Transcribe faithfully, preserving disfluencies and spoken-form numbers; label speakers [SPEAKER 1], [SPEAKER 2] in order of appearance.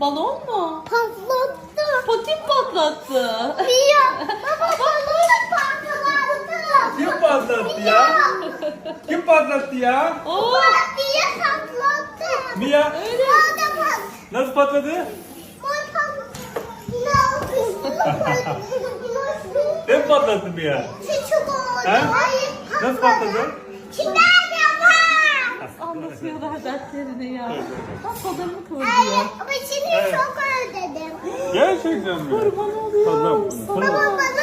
[SPEAKER 1] Balon mu?
[SPEAKER 2] Patlattı.
[SPEAKER 1] Patin patlattı.
[SPEAKER 2] Mia. Baba balonu patlattı.
[SPEAKER 3] Kim patlattı ya? Kim patlattı ya?
[SPEAKER 1] Oo,
[SPEAKER 2] Mia patlattı.
[SPEAKER 3] Mia.
[SPEAKER 1] öyle.
[SPEAKER 2] Orada pat.
[SPEAKER 3] Nasıl patladı? Ben patlattım ya. He? Nasıl patladı?
[SPEAKER 1] Anlatıyorlar dertlerini ya. Bak kollarını kıvırıyor.
[SPEAKER 2] Ama şimdi
[SPEAKER 3] Evet.
[SPEAKER 2] çok özledim.
[SPEAKER 3] Gerçekten mi?
[SPEAKER 1] Kurban oluyorum
[SPEAKER 3] Tamam.
[SPEAKER 1] sana.
[SPEAKER 2] Baba bana